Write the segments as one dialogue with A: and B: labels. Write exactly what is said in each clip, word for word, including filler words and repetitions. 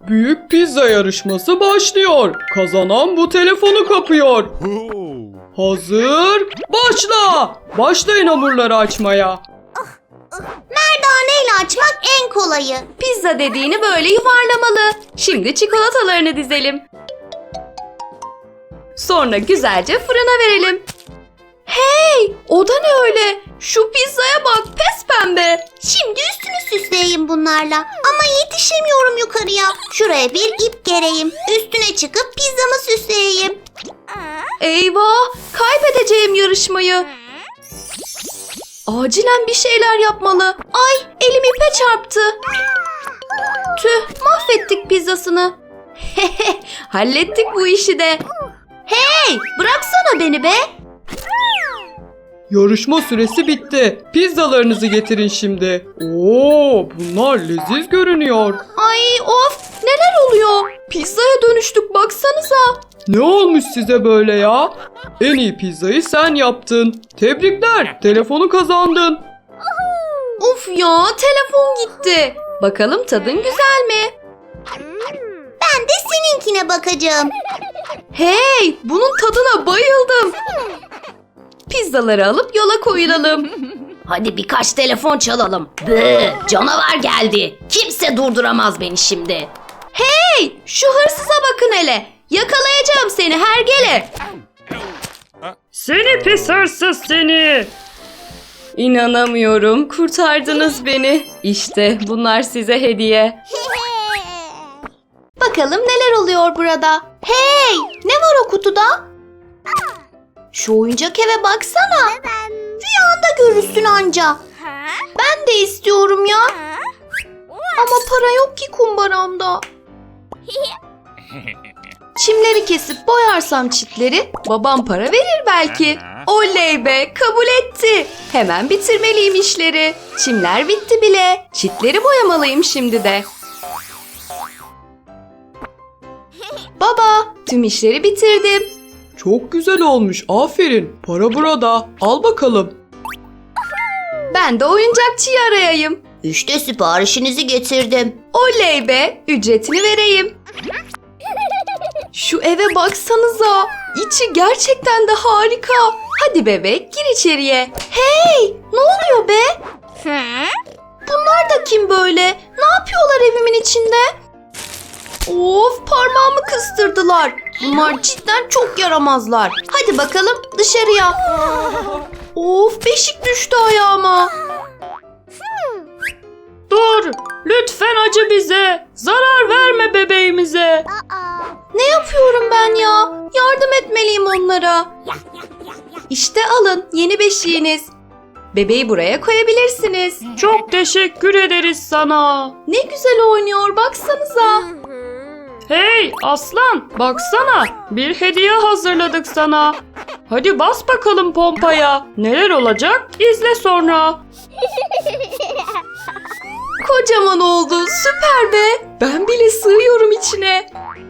A: Büyük pizza yarışması başlıyor. Kazanan bu telefonu kapıyor. Hazır, başla. Başlayın hamurları açmaya.
B: Merdaneyle açmak en kolayı.
C: Pizza dediğini böyle yuvarlamalı. Şimdi çikolatalarını dizelim. Sonra güzelce fırına verelim. Hey! O da ne öyle? Şu pizzaya bak, pes pembe.
B: Şimdi üstünü süsleyeyim bunlarla. Ama yetişemiyorum yukarıya. Şuraya bir ip gereyim. Üstüne çıkıp pizzamı süsleyeyim.
C: Eyvah! Kaybedeceğim yarışmayı. Acilen bir şeyler yapmalı. Ay, elim ipe çarptı. Tüh, mahvettik pizzasını. Hallettik bu işi de. Hey, bıraksana beni be.
A: Yarışma süresi bitti. Pizzalarınızı getirin şimdi. Oo, bunlar leziz görünüyor.
C: Ay of, neler oluyor? Pizzaya dönüştük baksanıza.
A: Ne olmuş size böyle ya? En iyi pizzayı sen yaptın. Tebrikler, telefonu kazandın.
C: Uf ya, telefon gitti. Bakalım tadın güzel mi?
B: Ben de seninkine bakacağım.
C: Hey, bunun tadına bayıldım. Pizzaları alıp yola koyulalım.
D: Hadi birkaç telefon çalalım. Bı, canavar geldi. Kimse durduramaz beni şimdi.
C: Hey, şu hırsıza bakın hele. Yakalayacağım seni hergele.
A: Seni pis hırsız seni.
C: İnanamıyorum, kurtardınız beni. İşte bunlar size hediye. Bakalım neler oluyor burada. Hey, ne var o kutuda? Şu oyuncak eve baksana.
B: Rüyanda görürsün anca.
C: Ben de istiyorum ya. Ama para yok ki kumbaramda. Çimleri kesip boyarsam çitleri babam para verir belki. Oley be, kabul etti. Hemen bitirmeliyim işleri. Çimler bitti bile. Çitleri boyamalıyım şimdi de. Baba, tüm işleri bitirdim.
A: Çok güzel olmuş, aferin. Para burada, al bakalım.
C: Ben de oyuncakçıyı arayayım.
B: İşte siparişinizi getirdim.
C: Oley be, ücretini vereyim. Şu eve baksanıza. İçi gerçekten de harika. Hadi bebek, gir içeriye. Hey, ne oluyor be? Bunlar da kim böyle? Ne yapıyorlar evimin içinde? Of, parmağımı kıstırdılar. Bunlar cidden çok yaramazlar. Hadi bakalım dışarıya. Of, beşik düştü ayağıma.
A: Dur, lütfen acı bize. Zarar verme bebeğimize.
C: Ne yapıyorum ben ya? Yardım etmeliyim onlara. İşte alın yeni beşiğiniz. Bebeği buraya koyabilirsiniz.
A: Çok teşekkür ederiz sana.
C: Ne güzel oynuyor baksanıza.
A: Hey aslan, baksana. Bir hediye hazırladık sana. Hadi bas bakalım pompaya. Neler olacak? İzle sonra.
C: Kocaman oldu, süper be. Ben bile sığıyorum içine.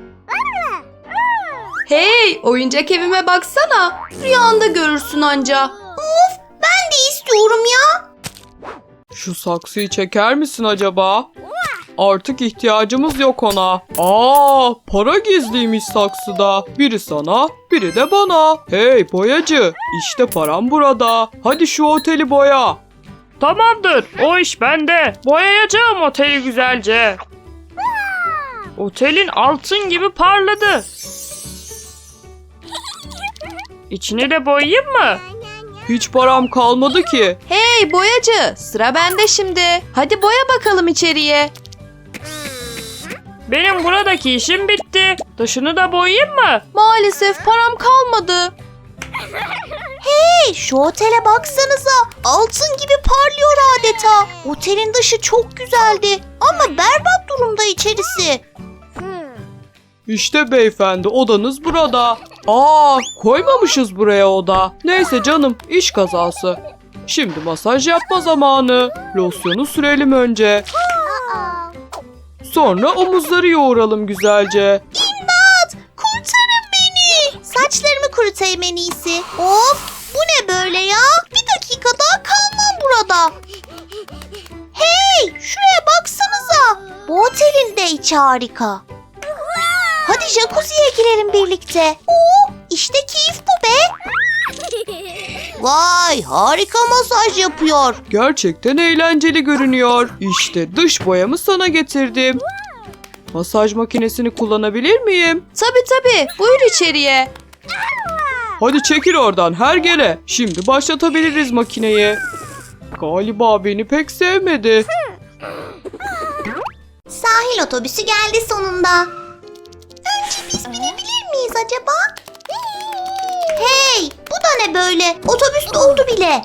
C: Hey, oyuncak evime baksana. Rüyanda görürsün anca.
B: Of, ben de istiyorum ya.
A: Şu saksıyı çeker misin acaba? Artık ihtiyacımız yok ona. Aa, para gizliymiş saksıda. Biri sana, biri de bana. Hey boyacı, işte param burada. Hadi şu oteli boya. Tamamdır, o iş bende. Boyayacağım oteli güzelce. Otelin altın gibi parladı. İçini de boyayayım mı? Hiç param kalmadı ki.
C: Hey boyacı, sıra bende şimdi. Hadi boya bakalım içeriye.
A: Benim buradaki işim bitti. Dışını da boyayayım mı?
C: Maalesef param kalmadı.
B: Hey, şu otele baksanıza. Altın gibi parlıyor adeta. Otelin dışı çok güzeldi. Ama berbat durumda içerisi.
A: İşte beyefendi, odanız burada. Aa, koymamışız buraya oda. Neyse canım, iş kazası. Şimdi masaj yapma zamanı. Losyonu sürelim önce. Sonra omuzları yoğuralım güzelce.
B: İmdat! Kurtarın beni. Saçlarımı kurutayım en iyisi. Of, bu ne böyle ya? Bir dakika daha kalmam burada. Hey, şuraya baksanıza. Bu otelin de içi harika. Hadi jacuzziye girelim birlikte. Oo, işte keyif bu be. Vay, harika masaj yapıyor.
A: Gerçekten eğlenceli görünüyor. İşte dış boyamı sana getirdim. Masaj makinesini kullanabilir miyim?
C: Tabii tabii. Buyur içeriye.
A: Hadi çekil oradan hergele. Şimdi başlatabiliriz makineyi. Galiba beni pek sevmedi.
B: Sahil otobüsü geldi sonunda. Önce biz binebilir miyiz acaba? Hey, bu da ne böyle? Otobüs doldu bile.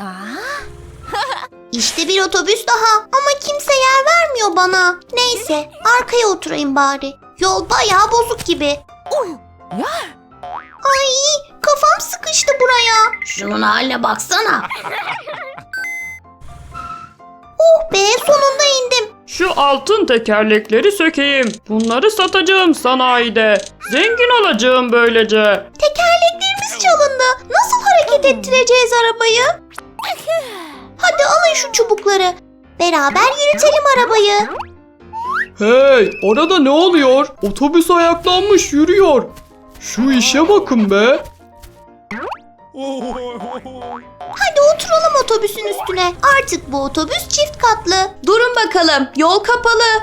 B: İşte bir otobüs daha ama kimse yer vermiyor bana. Neyse, arkaya oturayım bari. Yol bayağı bozuk gibi. Ay, kafam sıkıştı buraya.
D: Şunun haline baksana.
B: Oh be, sonunda indim.
A: Şu altın tekerlekleri sökeyim. Bunları satacağım sanayide. Zengin olacağım böylece.
B: Tekerleklerimiz çalındı. Nasıl hareket ettireceğiz arabayı? Hadi alın şu çubukları. Beraber yürütelim arabayı.
A: Hey, orada ne oluyor? Otobüs ayaklanmış yürüyor. Şu işe bakın be.
B: Hadi oturalım otobüsün üstüne. Artık bu otobüs çift katlı.
C: Durun bakalım. Yol kapalı.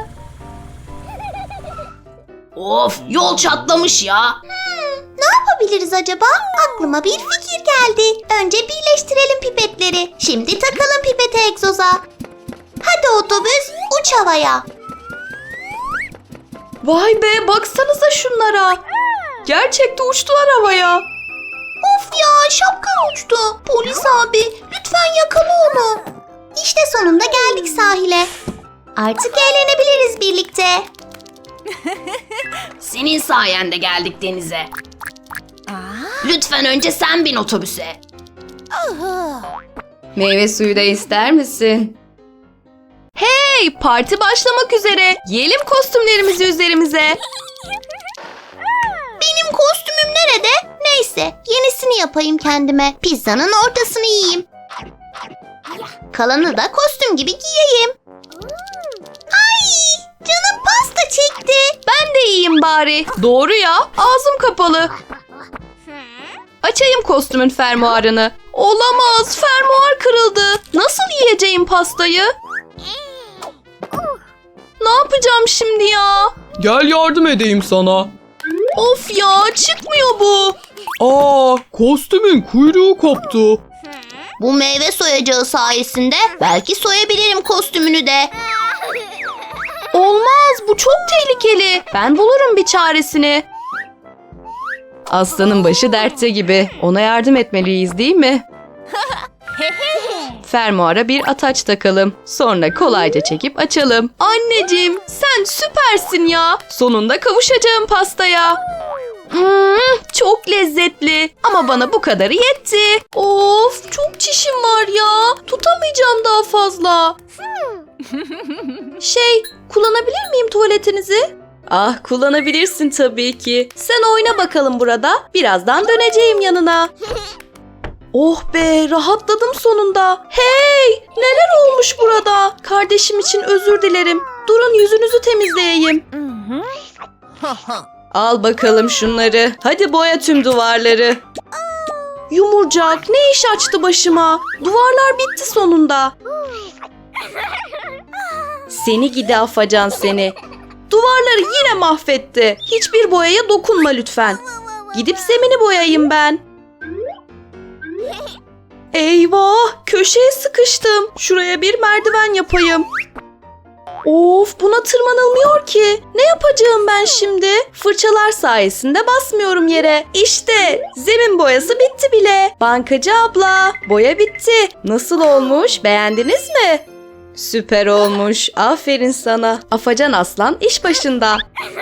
D: Of, yol çatlamış ya.
B: Ne yapabiliriz acaba? Aklıma bir fikir geldi. Önce birleştirelim pipetleri. Şimdi takalım pipeti egzoza. Hadi otobüs, uç havaya.
C: Vay be, baksanıza şunlara. Gerçekten uçtular havaya.
B: Of ya, şapkan uçtu. Polis abi, lütfen yakala onu. İşte sonunda geldik sahile. Artık eğlenebiliriz birlikte.
D: Senin sayende geldik denize. Lütfen önce sen bin otobüse.
C: Meyve suyu da ister misin? Hey, parti başlamak üzere. Giyelim kostümlerimizi üzerimize.
B: Benim kostümüm nerede? Neyse, yenisini yapayım kendime. Pizzanın ortasını yiyeyim. Kalanı da kostüm gibi giyeyim. Ay, canım pasta çekti.
C: Ben de yiyeyim bari. Doğru ya, ağzım kapalı. Açayım kostümün fermuarını. Olamaz, fermuar kırıldı. Nasıl yiyeceğim pastayı? Ne yapacağım şimdi ya?
A: Gel yardım edeyim sana.
C: Of ya, çıkmıyor bu.
A: Aa, kostümün kuyruğu koptu.
B: Bu meyve soyacağı sayesinde belki soyabilirim kostümünü de.
C: Olmaz, bu çok tehlikeli. Ben bulurum bir çaresini. Aslanın başı dertte gibi. Ona yardım etmeliyiz değil mi? Fermuara bir ataç takalım. Sonra kolayca çekip açalım. Anneciğim, sen süpersin ya. Sonunda kavuşacağım pastaya. Hmm, çok lezzetli. Ama bana bu kadarı yetti. Of, çok çişim var ya. Tutamayacağım daha fazla. Şey, kullanabilir miyim tuvaletinizi? Ah, kullanabilirsin tabii ki. Sen oyna bakalım burada. Birazdan döneceğim yanına. Oh be, rahatladım sonunda. Hey, neler olmuş burada? Kardeşim için özür dilerim. Durun, yüzünüzü temizleyeyim. Al bakalım şunları. Hadi boya tüm duvarları. Yumurcak, ne iş açtı başıma? Duvarlar bitti sonunda. Seni gidi afacan seni. Duvarları yine mahvetti. Hiçbir boyaya dokunma lütfen. Gidip zemini boyayayım ben. Eyvah, köşeye sıkıştım. Şuraya bir merdiven yapayım. Of, buna tırmanılmıyor ki. Ne yapacağım ben şimdi? Fırçalar sayesinde basmıyorum yere. İşte zemin boyası bitti bile. Bankacı abla, boya bitti. Nasıl olmuş? Beğendiniz mi? Süper olmuş. Aferin sana. Afacan aslan iş başında.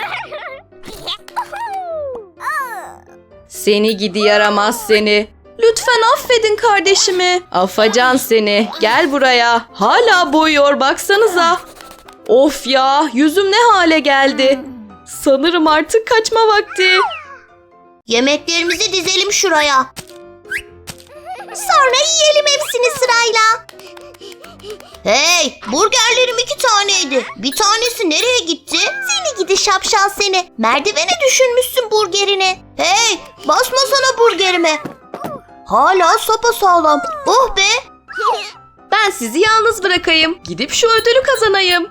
C: Seni gidi yaramaz seni. Lütfen affedin kardeşimi. Afacan seni. Gel buraya. Hala boyuyor baksanıza. Of ya, yüzüm ne hale geldi. Sanırım artık kaçma vakti.
B: Yemeklerimizi dizelim şuraya. Sonra yiyelim hepsini sırayla. Hey, burgerlerim iki taneydi. Bir tanesi nereye gitti? Seni gidi şapşal seni. Merdivene düşünmüşsün burgerini. Hey, basmasana burgerime. Hala sapasağlam. Oh be.
C: Ben sizi yalnız bırakayım. Gidip şu ödülü kazanayım.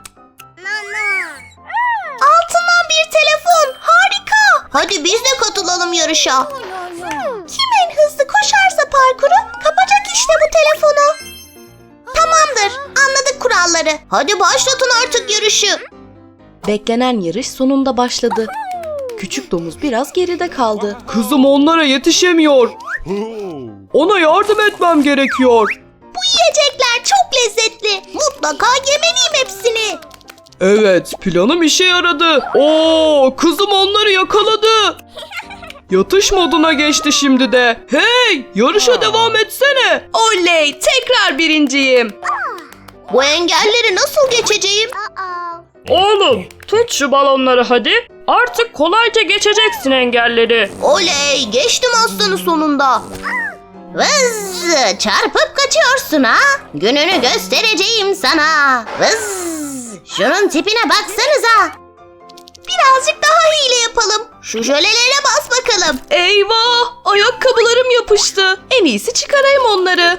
B: Altından bir telefon. Harika. Hadi biz de katılalım yarışa. Kim en hızlı koşarsa parkuru kapacak işte bu telefonu. Tamamdır. Anladık kuralları. Hadi başlatın artık yarışı.
C: Beklenen yarış sonunda başladı. Küçük domuz biraz geride kaldı.
A: Kızım onlara yetişemiyor. Ona yardım etmem gerekiyor.
B: Bu yiyecekler çok lezzetli. Mutlaka yemeliyim hepsini.
A: Evet, planım işe yaradı. Oo, kızım onları yakaladı. Yatış moduna geçti şimdi de. Hey, yarışa devam etsene.
C: Oley! Tekrar birinciyim.
B: Bu engelleri nasıl geçeceğim?
E: Oğlum tut şu balonları hadi. Artık kolayca geçeceksin engelleri.
B: Oley, geçtim aslanı sonunda. Vız, çarpıp kaçıyorsun ha? Gününü göstereceğim sana. Vız, şunun tipine baksanıza. Birazcık daha hile yapalım. Şu jölelere bas bakalım.
C: Eyvah! Ayakkabılarım yapıştı. En iyisi çıkarayım onları.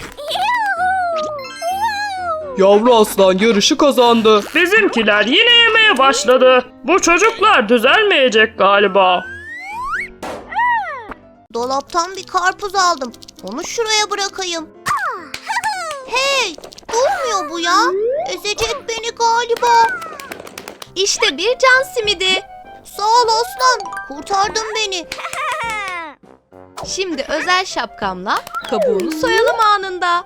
A: Yavru aslan yarışı kazandı.
E: Bizimkiler yine yemeye başladı. Bu çocuklar düzelmeyecek galiba.
B: Dolaptan bir karpuz aldım. Onu şuraya bırakayım. Hey, durmuyor bu ya. Ezecek beni galiba.
C: İşte bir can simidi.
B: Sağ ol aslan, kurtardın beni.
C: Şimdi özel şapkamla kabuğunu soyalım anında.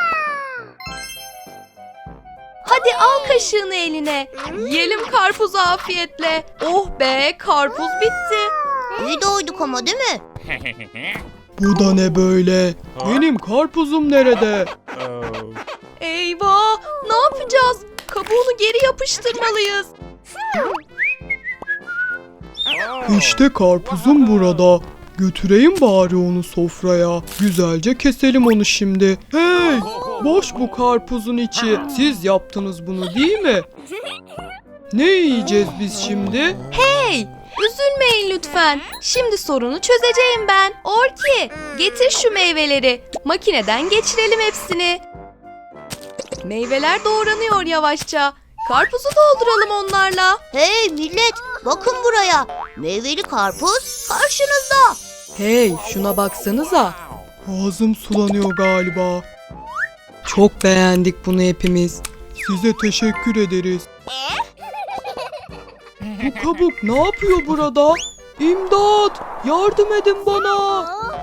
C: Hadi al kaşığını eline. Yiyelim karpuzu afiyetle. Oh be, karpuz bitti.
B: İyi doyduk ama değil mi?
A: Bu da ne böyle? Benim karpuzum nerede?
C: Eyvah! Ne yapacağız? Kabuğunu geri yapıştırmalıyız.
A: İşte karpuzum burada. Götüreyim bari onu sofraya. Güzelce keselim onu şimdi. Hey! Boş bu karpuzun içi. Siz yaptınız bunu değil mi? Ne yiyeceğiz biz şimdi?
C: Hey! Üzülmeyin lütfen. Şimdi sorunu çözeceğim ben. Orki, getir şu meyveleri. Makineden geçirelim hepsini. Meyveler doğranıyor yavaşça. Karpuzu dolduralım onlarla.
B: Hey millet, bakın buraya. Meyveli karpuz karşınızda.
C: Hey, şuna baksanıza.
A: Ağzım sulanıyor galiba. Çok beğendik bunu hepimiz. Size teşekkür ederiz. Bu kabuk ne yapıyor burada? İmdat! Yardım edin bana!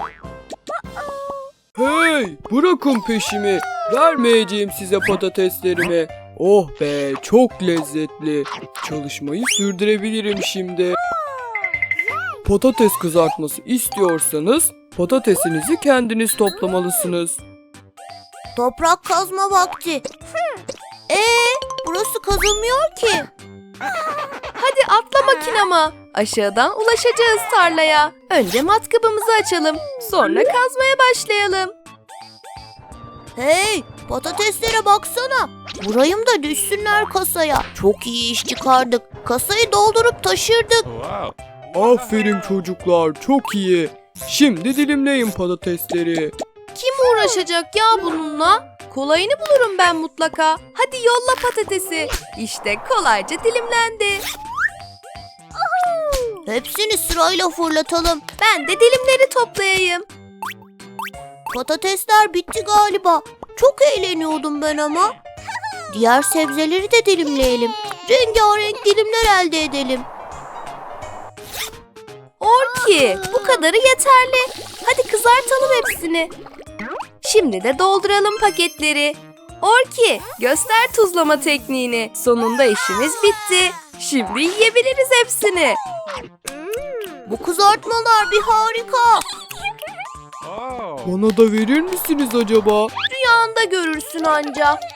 A: Hey! Bırakın peşimi. Vermeyeceğim size patateslerimi. Oh be! Çok lezzetli. Çalışmayı sürdürebilirim şimdi. Patates kızartması istiyorsanız patatesinizi kendiniz toplamalısınız.
B: Toprak kazma vakti. Ee, burası kazılmıyor ki.
C: Hadi atla makinama. Aşağıdan ulaşacağız tarlaya. Önce matkabımızı açalım. Sonra kazmaya başlayalım.
B: Hey, patateslere baksana. Vurayım da düşsünler kasaya. Çok iyi iş çıkardık. Kasayı doldurup taşırdık.
A: Aferin çocuklar, çok iyi. Şimdi dilimleyin patatesleri.
C: Kim uğraşacak ya bununla? Kolayını bulurum ben mutlaka. Hadi yolla patatesi. İşte kolayca dilimlendi.
B: Hepsini sırayla fırlatalım.
C: Ben de dilimleri toplayayım.
B: Patatesler bitti galiba. Çok eğleniyordum ben ama. Diğer sebzeleri de dilimleyelim. Rengarenk dilimler elde edelim.
C: Orki, bu kadarı yeterli. Hadi kızartalım hepsini. Şimdi de dolduralım paketleri. Orki, göster tuzlama tekniğini. Sonunda işimiz bitti. Şimdi yiyebiliriz hepsini.
B: Bu kızartmalar bir harika.
A: Bana da verir misiniz acaba?
C: Rüyanda görürsün anca.